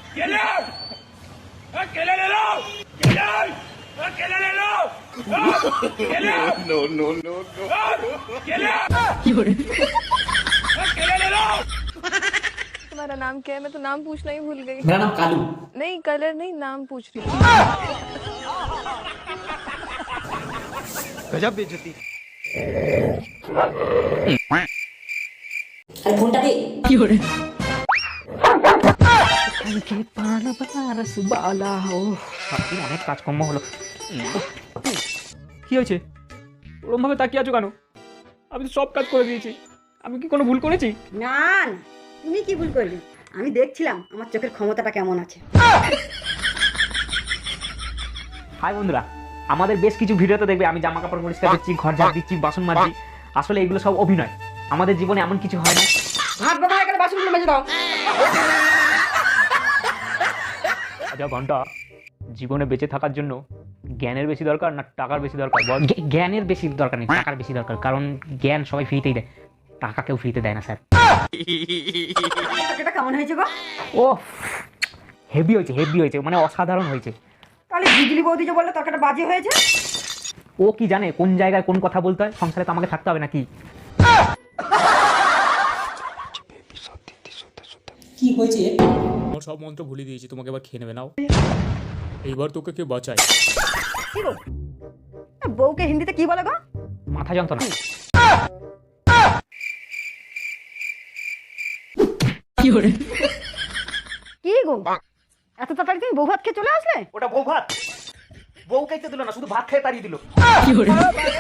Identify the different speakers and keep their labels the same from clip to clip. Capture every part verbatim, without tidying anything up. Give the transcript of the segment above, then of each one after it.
Speaker 1: কেলে কেলে ले लो কেলে কেলে ले लो কেলে नो नो नो नो কেলে কেলে ले लो।
Speaker 2: तुम्हारा नाम क्या है? मैं तो नाम पूछना ही भूल गई।
Speaker 3: मेरा नाम कालू।
Speaker 2: नहीं कलर नहीं, नाम पूछ रही हूँ।
Speaker 4: गजब बेइज्जती।
Speaker 3: अरे फोनটা দে কি হরে
Speaker 5: কালকে পারবার সুবালা ও সারাদিন অনেক কাজকর্ম হলো। কি হয়েছে ওরম ভাবে তাকিয়ে আছো কেন? আমি তো সব কাজ করে দিয়েছি। আমি কি কোনো ভুল করেছি?
Speaker 6: না না, তুমি কি ভুল করলি? আমি দেখছিলাম আমার চোখের ক্ষমতাটা কেমন আছে।
Speaker 5: হাই বন্ধুরা, আমাদের বেশ কিছু ভিডিওতে দেখবে আমি জামা কাপড় পরিষ্কার দিচ্ছি, ঘর ঝাড় দিচ্ছি, বাসন মাজছি। আসলে এগুলো সব অভিনয়। আমাদের জীবনে এমন কিছু হয় না।
Speaker 6: ভাত বাবা এখানে বাসনগুলো মেজে দাও।
Speaker 5: আচ্ছা ঘন্টা, জীবনে বেঁচে থাকার জন্য জ্ঞানের বেশি দরকার না টাকার বেশি দরকার? জ্ঞানের বেশি দরকার নেই, টাকার বেশি দরকার। কারণ জ্ঞান সবাই ফ্রিতেই দেয়, টাকা কেউ ফ্রিতে দেয় না স্যার।
Speaker 6: এটা কেমন হয়েছে গো?
Speaker 5: ও হেভি হয়েছে, হেভি হয়েছে, মানে অসাধারণ হয়েছে।
Speaker 6: তাহলে বিজলি বৌদি যে বললো তরকারিটা বাজে হয়েছে।
Speaker 5: ও কি জানে কোন জায়গায় কোন কথা বলতে হয়? সংসারে তো আমাকে থাকতে হবে নাকি?
Speaker 3: কি হয়েছে?
Speaker 7: আমার সব মন্ত্র ভুলে দিয়েছি, তোমাকে এবার খেয়ে নেবে নাও। এইবার তোকে কে বাঁচায়?
Speaker 6: কি গো, বউকে হিন্দিতে কি বলে গো?
Speaker 5: মাথা যন্ত্রণা।
Speaker 3: কি হরে
Speaker 6: কি গো, এত তাড়াতাড়ি তুমি বউ ভাত খেয়ে চলে আসলে?
Speaker 5: ওটা বউ ভাত, বউ খাইতে দিল না, শুধু ভাত খেয়ে তাড়িয়ে দিল।
Speaker 3: কি হরে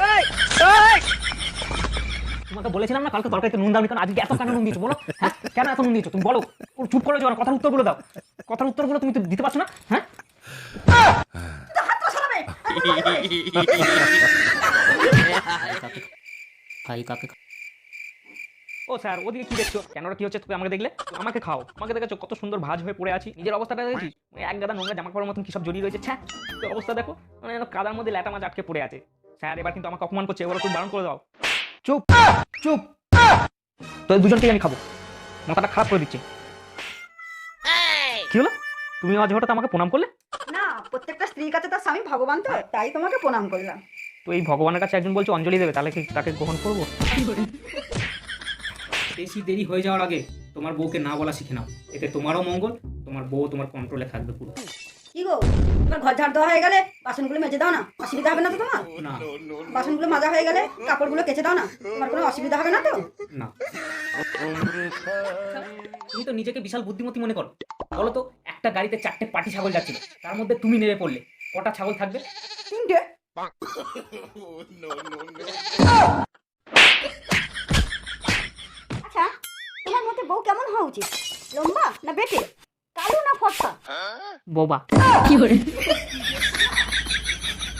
Speaker 5: তোমাকে বলেছিলাম না কালকে তরকারিতে নুন দাওনি, কারণ আজকে এত কেন নুন দিয়েছো বলো? হ্যাঁ কেন এত নুন দিয়েছো তুমি বলো? ও চুপ করে যাও, কথার উত্তরগুলো দাও। কথার উত্তরগুলো তুমি তো দিতে পারছো না। হ্যাঁ
Speaker 3: খাই কাকে
Speaker 5: ও স্যার ওদিকে কি দেখছো? কেন ওরা কি হচ্ছে? তুমি আমাকে দেখলে? আমাকে খাও। আমাকে দেখেছো কত সুন্দর ভাঁজ হয়ে পড়ে আছি? নিজের অবস্থাটা দেখেছিস? এক গাদা নোংরা জামা কাপড়ের মতন কি সব জড়িয়ে রয়েছে। ছ্যা, তো অবস্থা দেখো, মানে যেন কাদার মধ্যে ল্যাটা মাছ আটকে পড়ে আছে। স্যার এবার কিন্তু আমাকে অপমান করছে, এবার তুমি বারণ করে দাও। চুপ চুপ, তো এই দুজনকেই আমি খাবো। মাথাটা খারাপ করে দিচ্ছে। কি হলো? তুমি আজ হঠাৎ আমাকে প্রণাম করলে?
Speaker 6: না, প্রত্যেকটা স্ত্রীর কাছে তার স্বামী ভগবান, তো তাই তোমাকে প্রণাম করলাম।
Speaker 5: তো এই ভগবানের কাছে একজন বলছে অঞ্জলি দেবে, তাহলে কি তাকে গ্রহণ করবো? বেশি দেরি হয়ে যাওয়ার আগে তোমার বউকে না বলা শিখে নাও, এতে তোমারও মঙ্গল, তোমার বউ তোমার কন্ট্রোলে থাকবে পুরো।
Speaker 6: কি গো, তোমার ঘর ঝাড় দেওয়া হয়ে গেলে বাসনগুলো মেজে দাও না, অসুবিধা হবে না তো তোমার?
Speaker 5: না
Speaker 6: বাসনগুলো মাজা হয়ে গেলে কাপড়গুলো কেচে দাও না, তোমার কোনো অসুবিধা হবে না তো?
Speaker 5: না, তুমি তো নিজেকে বিশাল বুদ্ধিমতী মনে করো। বলো তো, একটা গাড়িতে চারটে পাটি ছাগল যাচ্ছিল, তার মধ্যে তুমি নেমে পড়লে, কটা ছাগল থাকবে?
Speaker 6: তিনটে। আচ্ছা, তোমার মতে বউ কেমন হওয়া উচিত? লম্বা না বেটে, কালো না ফর্সা?
Speaker 5: বোবা।
Speaker 3: কি হরে